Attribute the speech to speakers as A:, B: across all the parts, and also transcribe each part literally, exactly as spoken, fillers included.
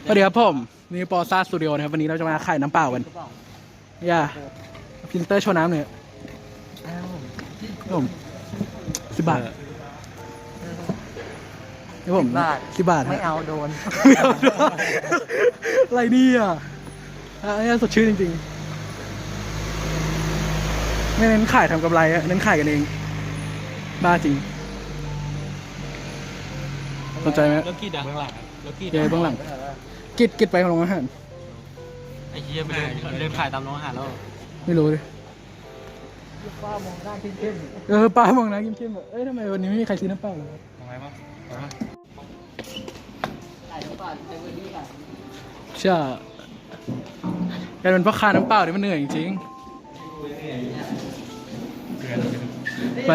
A: สวัสดีครับผมนี่ปอซ่าสตูดิโอนะครับวันนี้เราจะมาขายน้ำเปล่ากันอย่าฟิลเตอร์โชว์น้ำหน่อยผมสิบบาทนี่ผมสิบบาท
B: ไม่เอาโดน
A: ไม่เอาโดนอะไรนี่อ่ะอันนี้สดชื่นจริงๆไม่เน้นขายทำกำไรอะเน้นขายกันเองบ้าจริงสนใจไหม
C: แล้วกีดอะเบื้องหลังแล้วกีด
A: เดี๋ยวเบื้องหลังกิดกิดไปของโรงอาหาร
C: ไอ้เหี้ยไปเดินเดินขายตามโรงอาหารแล้ว
A: ไม่รู้เลย
B: ป้ามองหน้าเข้ม
A: เออป้ามองนะเข้มๆแบบเอ้ยทำไมวันนี้ไม่มีใครซื้อน้ำเปล่าเลย
C: ทำไมบ้าง
B: ๆขายน้ำเปล่าเต็มที่กัน
A: เชื่อการเป็นพ่อค้าน้ำเปล่าเนี่ยมันเหนื่อยจริงๆไป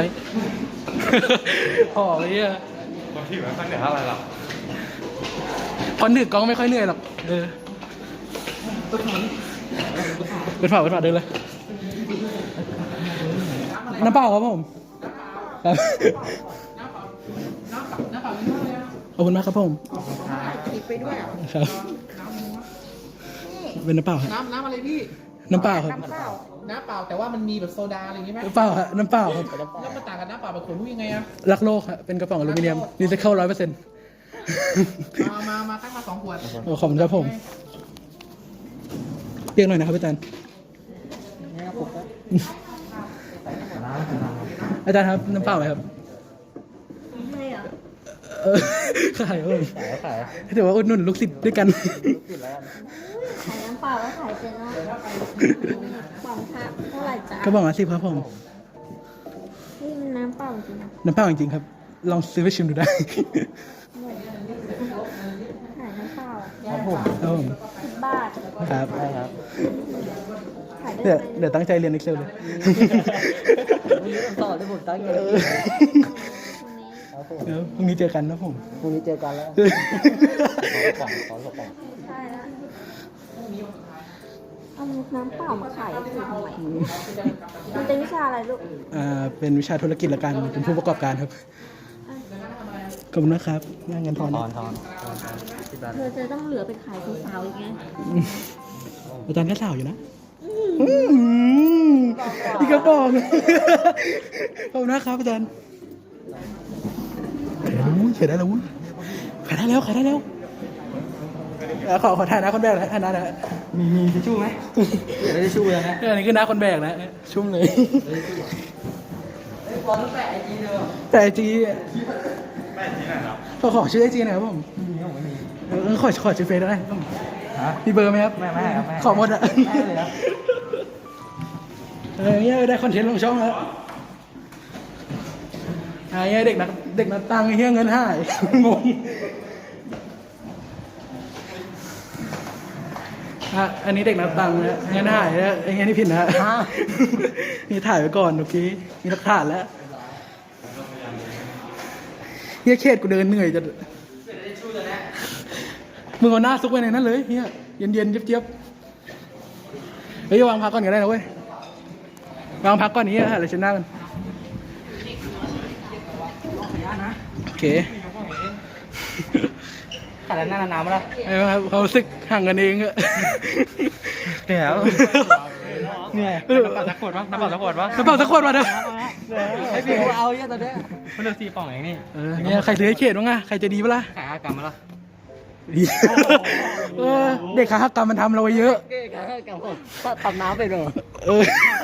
A: ห่อเลยอ่ะ
C: คนที่แบบตั้งแต่เท่าไรหรอ
A: คนถือกล้องไม่ค่อยเหนื่อยหรอกเออเปิดฝาเปิดฝาเดินเลยน้ำเปล่าครับผมครับขอบคุณมากครับผม
B: ติดไปด้วย
A: ครับเป็นน้ำเปล่าครับ
B: น้ำน้ำอะไรพี่
A: น้ำเปล่าครับ
B: น้ำเปล่าน้ำเปล่าแต่ว่ามันมีแบบโซดาอะไรอย่างงี้ไหม
A: น้ำเปล่าครับน้ำเปล่าครับ
B: แล้วมันต่างกับน้ำเปล่าแบบขวดรู้ยังไงอะ
A: รักโลกครับเป็นกระป๋องอลูมิเนียมรีไซเคิลร้อยเปอร์เซ็นต์
B: มามามาตั้งมาสองขวด
A: ขอบคุณครับผมเปียกหน่อยนะครับอาจารย์อาจารย์ครับน้ำเปล่าไหมครับ
D: ไม่เหรอ
A: เออขายครับผม
B: ขายขาย
A: ถือว่าอุดหนุนลูกศิษย์ด้วยกัน
B: ติดแล้ว
D: ขายน้ำเปล่าแล้วขายเป็นเนาะกล่องค่ะเท่าไหร่จ๊ะ
A: ก็บอกมาสิครับผม
D: นี่มันน้ำเปล่าจริงนะ
A: น้ำเปล่าจริงๆครับ ลองซื้อไปชิมดูได้
D: ขายน้ำเปล่า
B: ครับผม
A: ครับผม
D: สิบบาท
A: ครับ
B: ใช่ครับ
D: ขายได้
A: เดี๋ยว
D: ไหม
A: เดี๋ยวตั้งใจเรียน Excel เลย
B: วันนี้ต่อที่ผมตั้งใจ
D: วันนี้
B: ครับผม
A: เดี๋ยวพรุ่งนี้เจอกันนะผม
B: พรุ่งนี้เจอกันแล้วขอสองขอสอง
D: ใช่แล้วเอาน้ำเปล่ามาขายคือทำไมมันเป็นวิชาอะไรลูก
A: อ่าเป็นวิชาธุรกิจและการเป็นผู้ประกอบการครับขอบคุณนะครับงานเงินทอน
B: ท
A: นะ
B: อนทอนสิบบาท
D: เธอจะต้องเหลือไปขายสาวๆอีกไง
A: อาจารย์ก็สาวอยู่นะพี่กระป๋องขอบคุณนะครับอาจารย์เขียนได้แล้ววุ้นเขียนได้แล้วขายได้แล้วขอขอถ่ายหน้าคนแบกนะถ่ายหน้านะ
B: มีมีทิชชู่ไหมไม่ได้ชู่เลยนะ
A: อันนี้คือหน้าคนแบกนะชุ่มเลย
B: บอลต้องแปะไอจีเดิม
A: แต่ไอจี
C: แม่ที่ไหนครับ
A: ขอขอชื่อไอจีหน่อยครับผม
B: มีผมไม่มี
A: เออขอขอชื่อเฟซได้ไหม
B: ฮะ
A: มีเบอร์ไหมครับ
B: ไม่ไม่ครับไม่
A: ขอหมดอะ
B: ไม่เลยครับ
A: เออเนี่ยได้คอนเทนต์ลงช่องแล้วไอ้เงี้ยเด็กนักเด็กนักตังค์ไอ้เงี้ยเงินหายงงอ่ะอันนี้เด็กนับตังค์นะเงินหายแล้วไอ้เงี้ยนี่ผิดนะนี่ถ่ายไว้ก่อนเมื่อกี้มีหลักฐานแล้วเฮียเครียดกูเดินเหนื่อยจะมึงเอาหน้าซุกไว้ในนั้นเลยเฮียเย็นเย็นๆเจี๊ยบๆเฮ้ยวางพักก่อนก็ได้นะเว้ยวางพักก่อนนี้ฮะเดี๋ยวฉันหน้ากันโอเค
B: ขาดหน้าน้ำมาแล้ว
A: ไอ้บ้างครับเขารู้สึกห่างกันเองอะ
B: เหนื่อยแล้วเหนื่อย
C: น้ำเปล่าสักขวดวะน้ำเปล่าสักขวดวะ
A: กระเป๋าสักคนมาเด้อ
B: ไอ้พี่เอาเยอะตอนเนี้ย
C: มันเหลือสี่ป่องเองนี่
A: เออเนี่ยใครซื้อให้เขตบ้างอะใครจะดีปะล่ะ
C: ขายอากรรมมาละ
A: ดีเออเด็กขาหักกรรมมันทำเราไว้เยอะ
B: เก๊กับกับผมทำน้ำไปเลย
A: เออ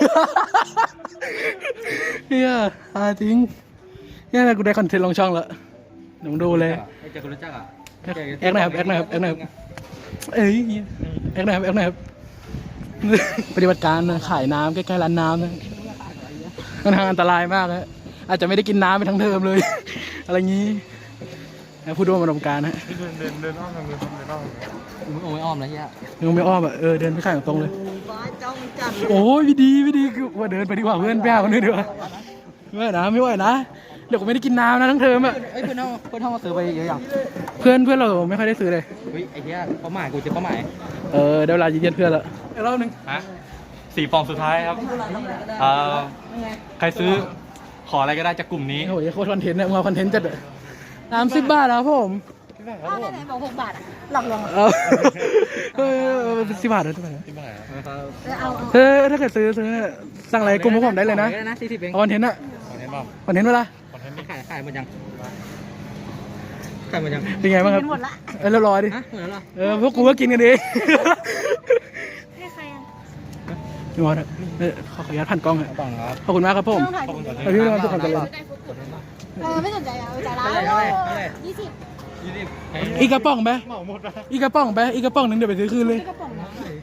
A: เนี่ยอาจริงเนี่ยกูได้คอนเทนต์ลงช่องแล้วเดี๋ยวมึงดูเลย
C: ไอ้เจ้าคนรู้จักอ่ะ
A: แอคหน่อยครับแอคหน่อยครับแอคหน่อยครับเอ้ยแอคหน่อยครับแอคหน่อยครับปฏิบัติการนะขายน้ำใกล้ๆร้านน้ำนะมันทางอันตรายมากนะอาจจะไม่ได้กินน้ำไปทั้งเทอมเลย อะไรงี้นะผู้ร่วมประสบการณ์นะ
C: เดินเดินเดินอ้อมทางเดินเดินอ้อม
B: มึงโอ้ยอ้อมนะเฮีย
A: มึงไม่อ้อมอ่ะเออเดินไปข้างตรงเลย
B: บ้าจ้องจัด
A: โอ้ยพี่ดีพี่ดีคือว่าเดินไปดีกว่าเพื่อนไปหาคนอื่นดีกว่าไม่ไหวนะไม่ไหวนะเดี๋ยวกูไม่ได้กินน้ำนะทั้งเทอมอ่ะ
B: เอ้ยเพื่อนเขาเพื่อนเขามาซื้อไปเยอะอย่าง
A: เพื่อนเพื่อนเราไม่ค่อยได้ซื้อเลย
B: เฮ้ยไอ้เหี้ยเป้าหมายกูจะเป้าหมาย
A: เออได้เวลายืนยันเพื่อนละอีกรอบหนึง
C: ฮะสี่ป่องสุดท้ายครับเอ่อใครซื้อขออะไรก็ได้จากกลุ่มนี้
A: โอ้ยโคตรคอนเทนต์เนี่ยมึงเอาคอนเทนต์จัดสามสิบบาทแล้วผม
D: อ้าวไหนๆบอกหกบาทอะหลอกลวงอะ
A: เอาเออสิบบาทนะสิบบาทนะ
D: เออเอาเอา
A: เออถ้าเกิดซื้อซื้อสั่งอะไรกลุ่มพวกผมได้เลยนะ
B: นะสี่สิบเอง
A: เอาคอนเทนต์อะ
C: คอนเทนต์เปล่า
A: คอนเทนต์เวลา
C: คอนเทนต์
B: ขายขายหมดยังขายหมดยัง
A: เป็นไงบ้างครับ
D: กินหมดละ
A: เออเรียบร้อยดิ
B: ฮะหมดแล้วเหรอ
A: เออพวกกูก็กินกันเอง
D: ให้ใครอ่ะ
A: พี่มอสอะเออขอขออนุญาตผ่านกล้องครับ
C: ต้องครับ
A: ขอบคุณมากครับผม
D: ไม่ต้องถ่ายผม
A: เอาพี่นอนทุกคนกันเลย
D: เออไม่สนใจอ่ะเอาจ่ายร้านยี่สิบ
B: ยี่สิบ
A: อีกกระป๋องไหม
C: เหมาหมดนะ
A: อีกกระป๋องไหมอีกกระป๋องหนึ่งเดี๋ยวไปซื้อคืนเลย
D: กระป๋องนะ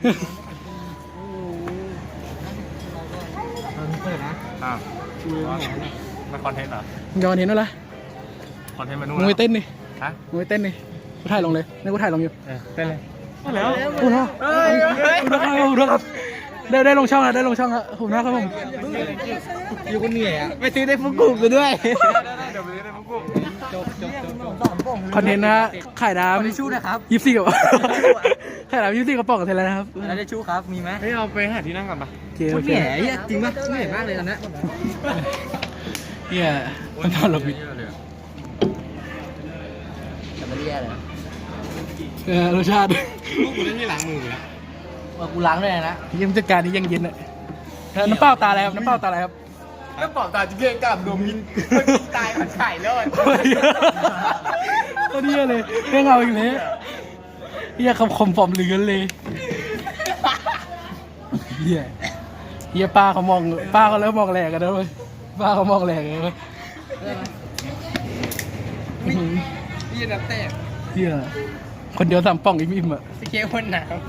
B: เปิดนะ
C: อ้าวมันคอนเทนต์เหรอ
A: ย้อนเห็นแล้วล่ะ
C: คอนเทนต์มานู่น
A: มึงไปเต้นดิ
C: ฮะ
A: มึงไปเต้นดิกูถ่ายลงเลยนี่กูถ่ายลงอยู่
C: เออเต้นเลย
B: แล้ว
A: ขอบคุณครับขอบคุณครับขอบคุณครับได้ได้ลงช่องแล้วได้ลงช่องแล้วขอบคุณนะครับผม
B: อยู่คนเหนื่อยอ่ะไปซื้อได้ฟุกุกูด้วย
C: เดี๋ยวไปเล่นพวกกู
B: จบจบจบ
A: คอนเทนต์นะฮะขายน้
B: คนที่ชู้นะครับ
A: ำยี่สิบสี่กับขายน้ำยี่สิบสี่กระป๋องกันเสร็จแล้วนะครับ
B: แล้วได้ชู้ครับมีไหม
C: เฮ้ยเอาไปหาที่นั่งก่อนปะ
A: โอเค
B: โค
A: โอ
B: ตร
A: เค
B: เหนื่อยเหี้ยจริงป่ะเหนื่อยมากเลยตอนนี้
A: เฮียมันตอนลบอีก
B: แต่ไม่ได้แย่เลย
A: เออรสชาติ
C: พวกกูเล่นที่ล้างมืออยู่แล้ว
B: ว่ากูล้างด้วยนะ
A: ยังจัดการนี้ยังเย็นอ่ะน้ำเปล่าตาอะไรครับน้ำเปล่าตาอะไรครับ
C: แล้วปอบตาจิเกะกับดมมินตายผัดไข่เลย
A: ก็เฮียเลยเรื่องเอาอีกเลยเฮียคำคมปลอมเหลือนเลยเฮียเฮียป้าเขามองป้าเขาเริ่มมองแหลกกันแล้วเว้ยป้าเขามองแหลกเลยเว้ย
B: พี่นับแต่
A: เฮียคนเดียวสามป่องอิ่มๆอ่ะ
B: สเค้กคนหนาว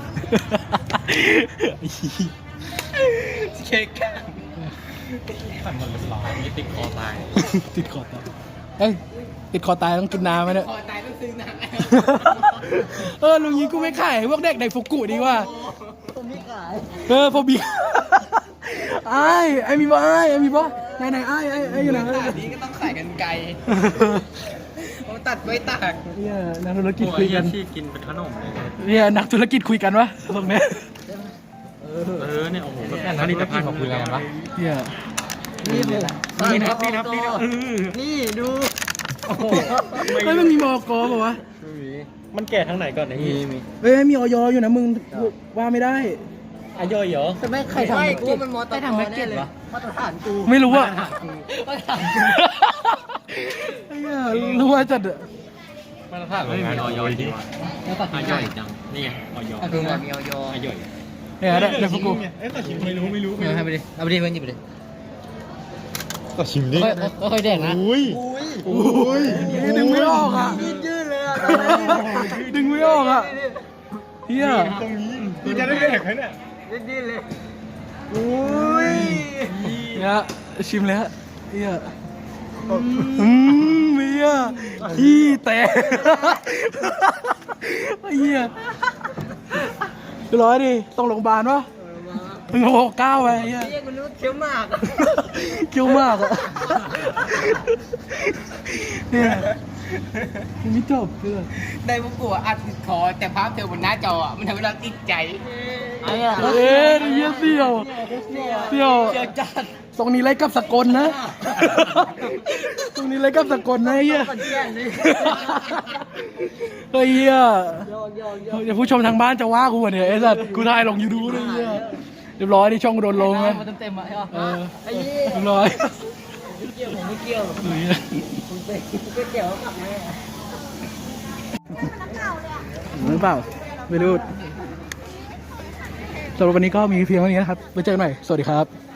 B: สเค้กข้าง
C: ขันหมดเลยหรอมีติดคอตาย
A: ติดคอตายเอ้ยติดคอตายต้องกินน้ำไหมเนี่ย
B: คอตายต้องซื้อน้ำ
A: เออลุงยิงกูไม่ขายพวกเด็กในฟุกุดีกว่า
B: ผมไม่ขาย
A: เออพอบีไอ้ไอ้มีบ่ไอ้ไอ้มีบ่ไหนไหนไอ้ไอ้ไอ้อยู่ไหน
B: ขนาดนี้ก็ต้องขายกันไกลเขาตัดไว้ตาก
A: เนี่ยนักธุรกิจคุยกัน
C: ที่กินเป็นขนมเลย
A: เนี่ยนักธุรกิจคุยกันวะตรงเนี้ย
C: เออเนี่ยโอ้โหแบบผลิตภัณฑ์ของคุยกันปะ
A: เนี่ย
B: นี่ผม
C: นี่นับนี่นับนี่นับ
B: นี่ดูโอ้โห
A: เฮ้ยมันมีมอกอป่าวะ
C: มันแก่ทางไหนก่อนเนี่ย
B: มีมี
A: เฮ้ยมีออยอยู่นะมึงว่าไม่ได้
C: อายุเหรอ
B: แต่ไม่ใครทำกูมันมอเตอร์ทำแม็กเก็ตวะมาตรฐานกู
A: ไม่รู้อะ
B: มาตรฐานกู
A: ไอ้เหี้ยรู้ว่าจัดอะ
C: มาตรฐานโรงงานออยดี
B: แล้วตัด
C: อายุจังนี่ไงออย
B: คือมันมีออย
C: อายุ
A: เนี่ยได้เดี๋ยวพวกกู
C: เอ๊ะแต่ชิมไม่รู้ไม่รู้
B: เอาให้ไปดิเอาไปดิเพื่อนหยิบไปดิ
C: ก็ชิมดิ
B: ค่อยค่อยแดกนะ
C: อุ้ย
A: อุ้ยดึงไม่ออกอะ
B: ยืดเลยอ่ะ
A: ดึงไม่ออกอะเฮีย
C: ตรงนี้กูจะได้แดกไหมเนี่ย
B: ยืดเลยอุ้ย
A: เนี่ยชิมแล้วเฮียอืมเฮียขี้แตกเฮียร้อยดิต้องโรงพยาบาลวะถึงหกเก้าไปเฮีย
B: เรียกมันรู้เคี้ยวมาก
A: เกี้ยวมากอะเนี่ยยังไม่จบเพื่อน
B: ได้พวกกูอัดติดคอแต่ภาพเธอบนหน้าจอมันทำให้เราติดใจไอ้อะ
A: เอ๊ะเฮียเสี่ยวเสี่ยว
B: เจียวจัด
A: ตรงนี้ไรกับสกลนะ ตรงนี้ไรกับสกลนะเฮีย
B: ก่อนแจ้งเลย
A: เฮ้ยเฮีย
B: โยกโยกโยก
A: เดี๋ยวผู้ชมทางบ้านจะว่ากูวะเนี่ยไอ้สัตว์กูถ่ายลงยูทูบเลยเฮียเรียบร้อยที่ช่องกูโดนลงนะ
B: มาเต็มๆอ่ะใช่ป่ะ
A: เออ
B: ไอ้ยี่
A: เรียบร้อย
B: ไม่เกี่ยวผมไม่เกี่ยว
A: เฮ้ย
B: ผมไปก๋วยเตี๋ยวกลับมา
A: หรือเปล่าไม่รู้สำหรับวันนี้ก็มีเพียงเท่านี้นะครับไว้เจอกันใหม่สวัสดีครับ